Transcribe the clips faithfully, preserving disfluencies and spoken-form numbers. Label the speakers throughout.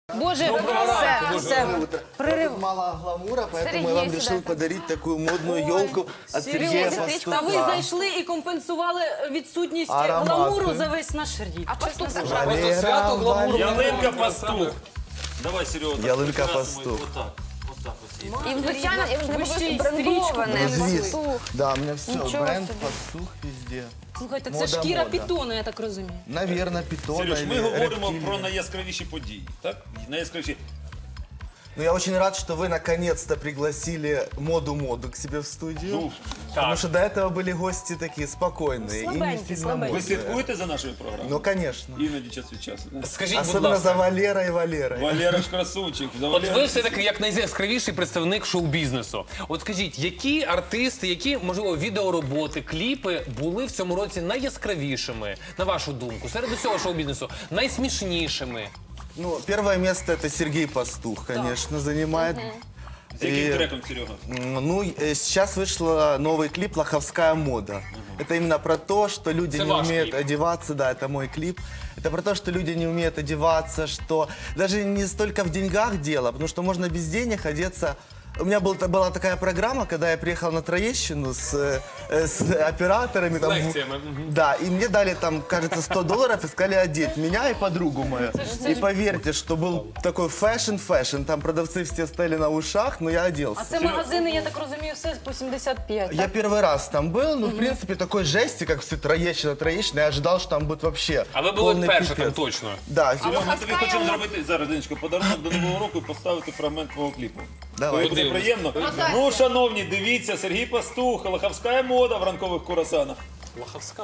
Speaker 1: Боже, все, все.
Speaker 2: Прорыв. Мало гламура, поэтому я вам решил подарить такую модную елку от Сергея Пастуха.
Speaker 1: Та ви зайшли і компенсували відсутність гламуру за весь наш рік.
Speaker 3: А Пастух це
Speaker 4: Просто свято гламуру.
Speaker 5: Ялинка Пастух. Давай, Серега.
Speaker 2: Ялинка Пастух.
Speaker 3: І, звичайно, я вже не
Speaker 1: Ви ще й
Speaker 3: буду брендоване.
Speaker 2: Звіз.
Speaker 3: Пастух.
Speaker 2: Да, у меня все,
Speaker 3: Ничего
Speaker 2: бренд,
Speaker 3: себе.
Speaker 2: Пастух везде.
Speaker 1: Слухайте, це
Speaker 2: Мода,
Speaker 1: шкіра
Speaker 2: мода.
Speaker 1: пітона, я так розумію.
Speaker 2: Наверное, питона
Speaker 5: Сереж, ми
Speaker 2: или
Speaker 5: говоримо
Speaker 2: рептилия.
Speaker 5: про найяскравіші події, так? Найяскравіші.
Speaker 2: Ну, я очень рад, что вы наконец-то пригласили моду-моду к себе в студию.
Speaker 5: Ну,
Speaker 2: Потому что до этого были гости такие спокойные и не
Speaker 1: слабенькие,
Speaker 2: сильно
Speaker 1: слабенькие.
Speaker 5: Ви
Speaker 2: модные.
Speaker 5: слідкуєте за нашою програмою?
Speaker 2: Ну, конечно.
Speaker 5: Іноді час від часу. да?
Speaker 4: Скажіть, будь
Speaker 2: Особенно за
Speaker 4: ласка,
Speaker 2: Валерой и Валерой.
Speaker 5: Валера ж красунчик. За
Speaker 4: от
Speaker 5: Валера-
Speaker 4: ви все-таки як найяскравіший представник шоу-бізнесу. От скажіть, які артисти, які, можливо, відеороботи, кліпи були в цьому році найяскравішими, на вашу думку, серед усього шоу-бізнесу, найсмішнішими?
Speaker 2: Ну, первое место это Сергей Пастух, конечно, занимает.
Speaker 5: З яким
Speaker 2: І-
Speaker 5: треком, Серега?
Speaker 2: М, Ну, э, сейчас вышла новый клип «Лоховская мода». Это именно про то, что люди
Speaker 4: Это
Speaker 2: не
Speaker 4: ваш
Speaker 2: умеют
Speaker 4: клип.
Speaker 2: одеваться. Да, это мой клип. Это про то, что люди не умеют одеваться, что даже не столько в деньгах дело, потому что можно без денег одеться. У меня был, была такая программа, когда я приехал на Троещину с, э, с операторами. Там,
Speaker 4: лекциями, мгм.
Speaker 2: да, и мне дали там, кажется, сто долларов и сказали одеть меня и подругу мою. И поверьте, что был такой фэшн-фэшн. Там продавцы все стояли на ушах, но я оделся.
Speaker 1: А це магазини, я так розумію, все по сімдесят п'ять.
Speaker 2: Я первый раз там был, ну, в принципе, такой жести, как все Троещина, Троещина, я ожидал, что там будет вообще
Speaker 4: А ви були
Speaker 2: полный
Speaker 4: перші там
Speaker 2: пипец.
Speaker 4: точно.
Speaker 2: Да,
Speaker 5: Серега, ми тобі
Speaker 3: Лоховська
Speaker 5: хочемо
Speaker 3: мода.
Speaker 5: зробити зараз, Денечко, подарунок до Нового року і поставити фрагмент твого кліпу.
Speaker 2: Давай.
Speaker 5: Тобі буде приємно? Ну, шановні, дивіться, Сергій Пастух, Лоховська мода в ранкових курасанах.
Speaker 4: Лоховська.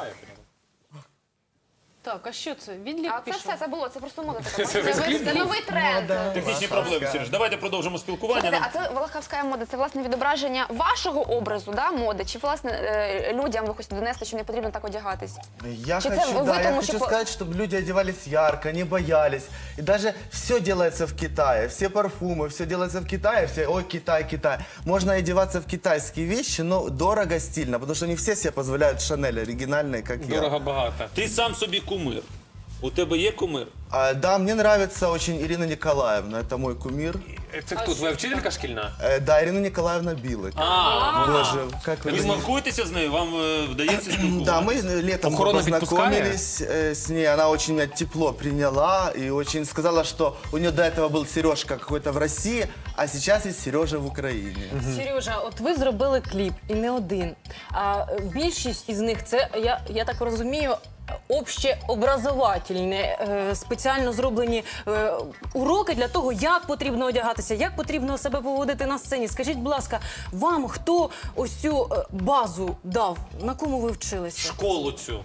Speaker 1: Так, а що це? Відлік
Speaker 3: А це
Speaker 1: пішов?
Speaker 3: все, це було, це просто мода така.
Speaker 4: Це
Speaker 3: Це,
Speaker 4: весь
Speaker 3: це новий тренд.
Speaker 5: Технічні проблеми, Сереж. Давайте продовжимо спілкування.
Speaker 3: Слухайте,
Speaker 5: Нам-
Speaker 3: а це Волоховська мода, це власне відображення вашого образу, да, моди? Чи власне е, людям ви хочете донести, що не потрібно так одягатись?
Speaker 2: Я
Speaker 3: Чи це
Speaker 2: хочу,
Speaker 3: ви
Speaker 2: да, я
Speaker 3: тому,
Speaker 2: хочу
Speaker 3: що по-
Speaker 2: сказать, чтобы люди одевались ярко, не боялись. И даже все делается в Китае, все парфумы, все делается в Китае, все, ой, Китай, Китай. Можно одеваться в китайские вещи, но дорого, стильно, потому что не все себе позволяют Шанель оригинальные, как я.
Speaker 4: Дорого багато.
Speaker 5: Ти сам собі кумир. У тебе є кумир?
Speaker 2: А, да, мне нравится очень Ирина Николаевна, это мой кумир.
Speaker 4: Це хто, твоя вчителька шкільна?
Speaker 2: Э, да, Ирина Николаевна Билык.
Speaker 4: А,
Speaker 2: Боже, как вы...
Speaker 5: Ви спілкуєтеся з нею? Вам е, вдається
Speaker 2: Да,
Speaker 5: спілкуватися?
Speaker 2: мы летом
Speaker 4: Охорона
Speaker 2: познакомились э, с ней. Она очень меня тепло приняла и очень сказала, что у нее до этого был Сережка какой-то в России, а сейчас есть Сережа в Украине.
Speaker 1: Сережа, от ви зробили кліп, і не один. А е, більшість із них, це, я, я так розумію, общеобразовательні, е, спеціально зроблені е, уроки для того, як потрібно одягатися, як потрібно себе поводити на сцені. Скажіть, будь ласка, вам хто ось цю е, базу дав? На кому ви вчилися?
Speaker 4: школу цю.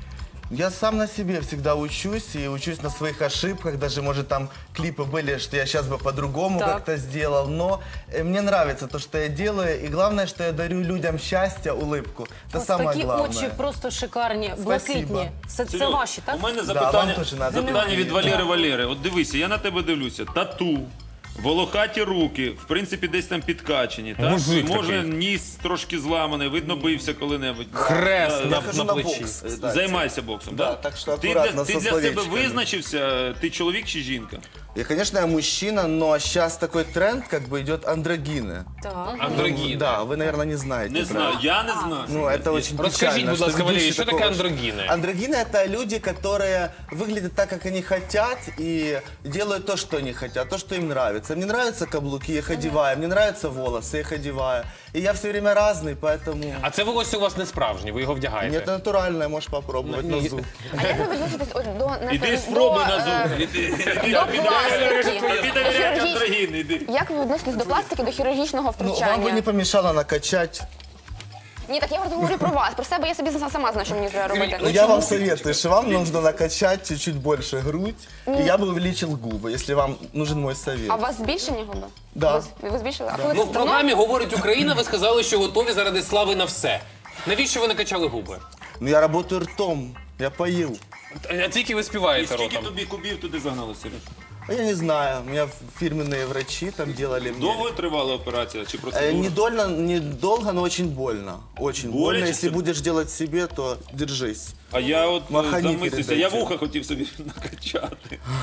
Speaker 2: Я сам на себе всегда учусь и учусь на своих ошибках. Даже, может, там клипы были, что я сейчас бы по-другому
Speaker 1: Так.
Speaker 2: как-то сделал. Но э, мне нравится то, что я делаю. И главное, что я дарю людям счастье, улыбку. Это
Speaker 1: Ось
Speaker 2: самое
Speaker 1: такі
Speaker 2: главное.
Speaker 1: очі просто шикарні, блакитні. Це, це
Speaker 5: Серега,
Speaker 1: ваші, так?
Speaker 5: У мене
Speaker 2: вам
Speaker 5: запитання,
Speaker 2: теж надо.
Speaker 5: запитання від
Speaker 2: Да.
Speaker 5: Валери Валери. От дивися, я на тебе дивлюся. Тату, волохаті руки, в принципі, десь там підкачені. Так?
Speaker 4: Мужик
Speaker 5: Може,
Speaker 4: такий.
Speaker 5: ніс трошки зламаний, видно, бився коли-небудь.
Speaker 4: Хрест
Speaker 5: Да,
Speaker 4: на,
Speaker 2: Я хожу
Speaker 4: на
Speaker 2: на
Speaker 4: плечі.
Speaker 2: бокс,
Speaker 5: Е,
Speaker 2: кстати.
Speaker 5: Займайся боксом,
Speaker 2: Да,
Speaker 5: так?
Speaker 2: так що
Speaker 5: ти
Speaker 2: акуратно,
Speaker 5: для, ти
Speaker 2: со
Speaker 5: для себе
Speaker 2: словечками.
Speaker 5: визначився, ти чоловік чи жінка?
Speaker 2: Я, конечно, я мужчина, но сейчас такой тренд, как бы идет андрогины.
Speaker 1: Так.
Speaker 4: Андрогіни.
Speaker 2: Да, вы, наверное, не знаете.
Speaker 5: Не
Speaker 2: про
Speaker 5: знаю, я не знаю.
Speaker 2: Ну, это очень
Speaker 4: Расскажите,
Speaker 2: печально,
Speaker 4: будь
Speaker 2: что
Speaker 4: ласка,
Speaker 2: ведущий
Speaker 4: Валерий, что
Speaker 2: такого-
Speaker 4: такое андрогины?
Speaker 2: Андрогины — это люди, которые выглядят так, как они хотят, и делают то, что они хотят, то, что им нравится. Мне нравятся каблуки, я их одеваю, мне нравятся волосы, я их одеваю. И я все время разный, поэтому...
Speaker 4: А це волосся у вас не справжнє, ви його вдягаєте?
Speaker 2: Нет, натуральное, можешь попробовать на зуб.
Speaker 3: А як ви відноситесь от, до...
Speaker 5: Іди
Speaker 3: напевно,
Speaker 5: спробуй
Speaker 3: до,
Speaker 5: на
Speaker 3: е,
Speaker 5: зуб. Іди, іди,
Speaker 3: до
Speaker 5: іди,
Speaker 3: пластики.
Speaker 5: Тобі довіряють андрогіни, іди.
Speaker 3: Як ви відноситесь до пластики, до хірургічного
Speaker 2: Ну, вам
Speaker 3: втручання?
Speaker 2: бы не помешало накачать.
Speaker 3: Ні, так я просто говорю про вас. Про себе я собі сама знаю, що мені треба робити.
Speaker 2: Ну, я вам советую, что вам нужно накачать чуть-чуть больше грудь, и я бы увеличил губы, если вам нужен мой совет.
Speaker 3: А у вас збільшені губи?
Speaker 2: Да.
Speaker 3: Ви, ви збільшили? А коли
Speaker 4: Ну,
Speaker 3: це
Speaker 4: в
Speaker 3: давно?
Speaker 4: програмі «Говорить Україна» ви сказали, що готові заради слави на все. Навіщо ви накачали губи?
Speaker 2: Ну, я работаю ртом, я пою.
Speaker 4: А тільки ви
Speaker 5: І
Speaker 4: співаєте
Speaker 5: скільки
Speaker 4: ротом.
Speaker 5: тобі кубів туди загнали, Сереж?
Speaker 2: А я не знаю, у меня фирменные врачи там делали мне.
Speaker 5: Довго тривала операція чи
Speaker 2: Э,
Speaker 5: процедура?
Speaker 2: недольно, недолго, но очень больно. Очень
Speaker 5: Более
Speaker 2: больно.
Speaker 5: чем
Speaker 2: Если
Speaker 5: себе?
Speaker 2: будешь делать себе, то держись.
Speaker 5: А я от е,
Speaker 2: Махані
Speaker 5: замислився, я
Speaker 2: передайте.
Speaker 5: вуха хотів собі накачати.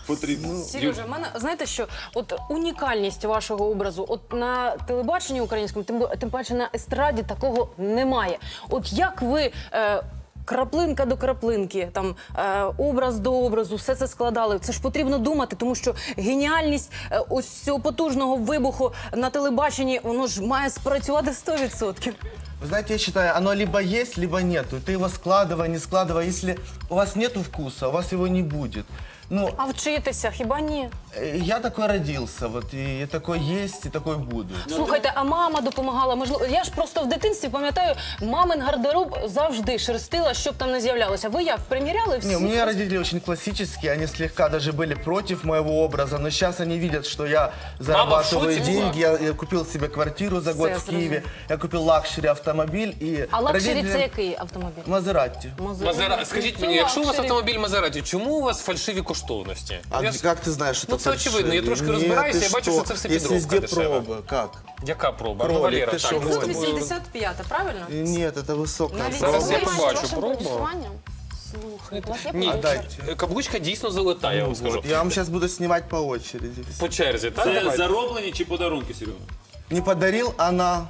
Speaker 5: потрібно.
Speaker 1: Сережа, в мене знаєте що? От унікальність вашого образу, от на телебаченні українському, тим, бо- тим паче на естраді такого немає. От як ви. Е, Краплинка до краплинки, там е, образ до образу, все це складали. Це ж потрібно думати, тому що геніальність е, ось цього потужного вибуху на телебаченні, воно ж має спрацювати сто відсотків.
Speaker 2: Вы знаете, я считаю, оно либо есть, либо нету. Ты его складывай, не складывай. Если у вас нету вкуса, у вас его не будет. Ну,
Speaker 1: А вчитися, хіба ні?
Speaker 2: э, я такой родился, вот, и такой есть, и такой буду.
Speaker 1: Слухайте, а мама допомагала? Можливо, я ж просто в дитинстві пам'ятаю, мамин гардероб завжди шерстила, щоб там не з'являлося. Ви як, приміряли всі?
Speaker 2: Не, у меня родители очень классические, они слегка даже были против моего образа, но сейчас они видят, что я зарабатываю
Speaker 4: шоке
Speaker 2: деньги, я, я купил себе квартиру за год
Speaker 1: Все,
Speaker 2: в Киеве,
Speaker 1: сразу.
Speaker 2: я купил лакшери автомобиль, и
Speaker 1: А лакшері
Speaker 2: родители-
Speaker 1: це який автомобіль?
Speaker 2: Мазератти.
Speaker 4: Мазера... Скажіть мені, якщо у вас автомобіль Мазераті, чому у вас фальшиві коштовності?
Speaker 2: А
Speaker 4: Я
Speaker 2: где-
Speaker 4: ж-
Speaker 2: как ты знаешь, что
Speaker 4: Ну,
Speaker 2: это
Speaker 4: это очевидно, я
Speaker 2: фальшивый?
Speaker 4: трошки
Speaker 2: Нет,
Speaker 4: разбираюсь,
Speaker 2: ты
Speaker 4: я бачу,
Speaker 2: что?
Speaker 4: что це все
Speaker 2: Есть
Speaker 4: підробка
Speaker 2: везде
Speaker 4: дешева.
Speaker 2: проба. Как?
Speaker 4: Яка проба? Ну,
Speaker 2: Кролик,
Speaker 4: Валера,
Speaker 2: ти
Speaker 4: так.
Speaker 2: що,
Speaker 4: ну,
Speaker 2: Ой,
Speaker 1: Тут вісімдесят п'ята, правильно?
Speaker 2: Нет, это высокая.
Speaker 1: Навіть
Speaker 2: проба.
Speaker 4: Зараз я
Speaker 3: Ви
Speaker 4: побачу
Speaker 3: вашим
Speaker 4: пробу.
Speaker 3: продюсуванням? Слухайте, у вас є
Speaker 4: Ні,
Speaker 3: продюсер?
Speaker 2: дайте.
Speaker 4: каблучка дійсно золота, я вам скажу.
Speaker 2: Вот, я вам сейчас буду снимать по очереди.
Speaker 4: По черзі, так?
Speaker 5: Це
Speaker 4: Давайте.
Speaker 5: зароблені чи подарунки, Серега?
Speaker 2: Не подарил, она...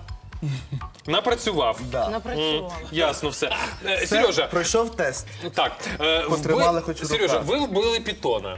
Speaker 4: Напрацював.
Speaker 2: Да.
Speaker 1: Напрацювала.
Speaker 4: Ясно все. Е,
Speaker 2: Це
Speaker 4: Сережа,
Speaker 2: пройшов тест.
Speaker 4: так. е,
Speaker 2: Потримали
Speaker 4: вби-
Speaker 2: хоч у
Speaker 4: Сережа,
Speaker 2: руках.
Speaker 4: ви вбили питона.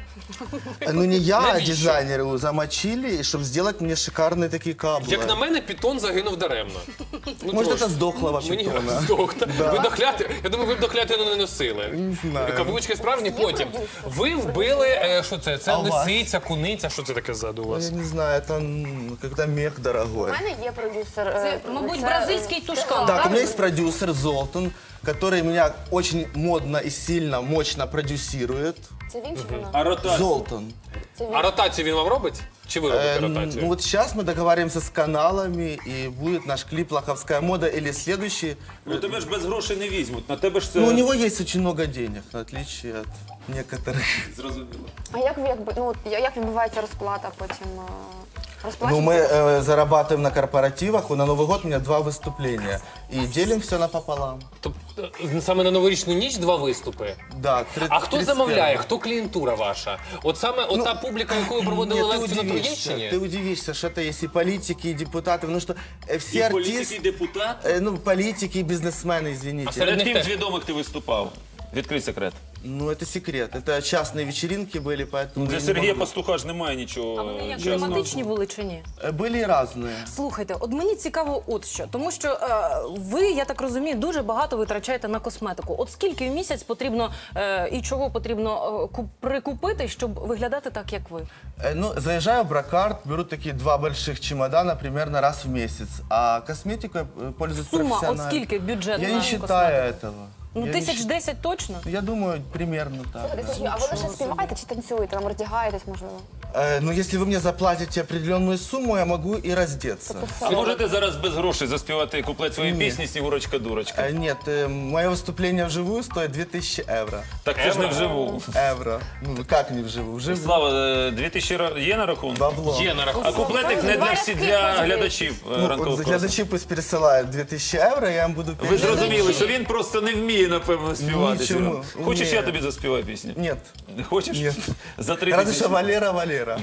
Speaker 2: Ну не я, а
Speaker 4: Навіщо?
Speaker 2: дизайнеры его замочили, чтобы сделать мне шикарные такие каблы.
Speaker 4: Як на мене, питон загинув даремно. Ну,
Speaker 2: Может,
Speaker 4: трошки.
Speaker 2: это сдохлого
Speaker 4: Мені
Speaker 2: питона.
Speaker 4: здохта. Ви дохляти, я думаю, ви б дохляти не носили.
Speaker 2: Не знаю.
Speaker 4: Каблучки справжні, потім. Ви вбили, е, що це? Це
Speaker 2: А у вас?
Speaker 4: лисиця, куниця, що це таке ззаду у вас?
Speaker 2: Я не знаю, это м, когда мех дорогой.
Speaker 3: У мене є продюсер.
Speaker 1: Це,
Speaker 3: е,
Speaker 1: мабуть,
Speaker 3: це,
Speaker 1: бразильський
Speaker 3: е,
Speaker 1: тушкан.
Speaker 2: Так, у
Speaker 1: правильно?
Speaker 2: меня есть продюсер Золтан, который меня очень модно и сильно, мощно продюсирует.
Speaker 3: Це він чи вона?
Speaker 5: А ротація?
Speaker 2: Золтан.
Speaker 4: А ротацію він вам робить? Чи ви робите
Speaker 2: Э,
Speaker 4: ротацію?
Speaker 2: ну вот сейчас мы договариваемся с каналами, и будет наш клип «Лоховская мода» или следующий.
Speaker 5: Ну тебе ж без грошей не візьмуть. На тебе ж це
Speaker 2: Ну, у него есть очень много денег, в отличие от некоторых.
Speaker 5: зрозуміло.
Speaker 3: А як ви якби ну от я- як відбувається розплата потім? е,
Speaker 2: Ну,
Speaker 3: Розплачується?
Speaker 2: мы э, зарабатываем на корпоративах, на Новый год у меня два выступления. И делим все напополам.
Speaker 4: Тобто е, саме на новорічну ніч два виступи.
Speaker 2: Да, три-
Speaker 4: А хто
Speaker 2: тридцать
Speaker 4: замовляє?
Speaker 2: первого.
Speaker 4: Хто клієнтура ваша? От саме ота публіка, яку ви проводили
Speaker 2: Нет, ты
Speaker 4: лекцію на
Speaker 2: удивишься,
Speaker 4: Троєщині?
Speaker 2: ты удивишься, что это есть и политики, и депутаты, потому что э, все
Speaker 5: І політики, і
Speaker 2: артисты,
Speaker 5: депутат.
Speaker 2: э, ну, политики и бизнесмены, извините.
Speaker 4: А среди
Speaker 5: Перед
Speaker 4: них
Speaker 5: ким з
Speaker 4: теж.
Speaker 5: відомих ти виступав? Відкрий секрет.
Speaker 2: Ну, это секрет. Это частные вечеринки были, поэтому... я
Speaker 5: Для
Speaker 2: не
Speaker 5: Сергія
Speaker 2: могу.
Speaker 5: Пастуха ж немає нічого.
Speaker 1: А вони як
Speaker 5: чесного.
Speaker 1: тематичні були чи ні?
Speaker 2: Э, Были и разные.
Speaker 1: Слухайте, от мені цікаво от що, тому що е, ви, я так розумію, дуже багато витрачаєте на косметику. От скільки в місяць потрібно е, і чого потрібно е, куп- прикупити, щоб виглядати так, як ви?
Speaker 2: Э, Ну, заезжаю в Брокарт, беру такие два больших чемодана примерно раз в месяц. А косметикой э, пользуюсь
Speaker 1: Сума, от
Speaker 2: профессионально.
Speaker 1: скільки бюджет
Speaker 2: Я
Speaker 1: на
Speaker 2: не считаю
Speaker 1: косметику?
Speaker 2: этого.
Speaker 1: Ну,
Speaker 2: Я не
Speaker 1: тисяч
Speaker 2: щ-
Speaker 1: десять точно?
Speaker 2: Я думаю, примерно так.
Speaker 3: Слухайте,
Speaker 2: да.
Speaker 3: Сергій, а ви лише співаєте чи танцюєте? Там роздягаєтесь, можливо?
Speaker 2: Э, Ну, если вы мне заплатите определенную сумму, я могу и раздеться.
Speaker 5: Ви можете зараз без грошей заспівати куплет своєї
Speaker 2: Ні.
Speaker 5: пісні «Снігурочка-дурочка».
Speaker 2: Э, Нет, э, мое выступление вживую стоит две тысячи евро.
Speaker 5: Так це ж не вживу.
Speaker 2: Евро. Ну, как не вживую? Вживую.
Speaker 5: Слава, е, дві тисячі ра- є на рахунку?
Speaker 2: Бабло.
Speaker 4: Є на
Speaker 5: А
Speaker 4: рахунку.
Speaker 5: куплетик не для всіх, для глядачів е,
Speaker 2: Ну,
Speaker 5: ранкових
Speaker 2: вот
Speaker 5: класів.
Speaker 2: глядачи пусть пересылают две тысячи евро, я вам буду
Speaker 5: Ви
Speaker 2: передавать.
Speaker 5: зрозуміли, що він просто не вміє, напевно, співати.
Speaker 2: Нічому.
Speaker 5: Серега. Хочеш,
Speaker 2: Ні.
Speaker 5: я тобі заспіваю пісню?
Speaker 2: Нет.
Speaker 5: Хочеш?
Speaker 2: Ні.
Speaker 5: За три
Speaker 2: Разве
Speaker 5: тисячі.
Speaker 2: что Валера, Валера.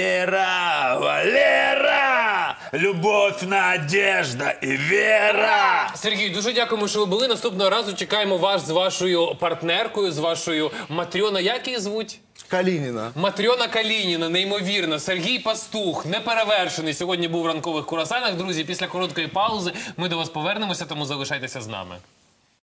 Speaker 5: Валера, Валера, любов, надежда і віра.
Speaker 4: Сергій, дуже дякуємо, що ви були. Наступного разу чекаємо вас з вашою партнеркою, з вашою Матрьона. Як її звуть?
Speaker 2: Калинина.
Speaker 4: Матрьона Калініна, неймовірно. Сергій Пастух, неперевершений. Сьогодні був в ранкових курасанах. Друзі, після короткої паузи ми до вас повернемося, тому залишайтеся з нами.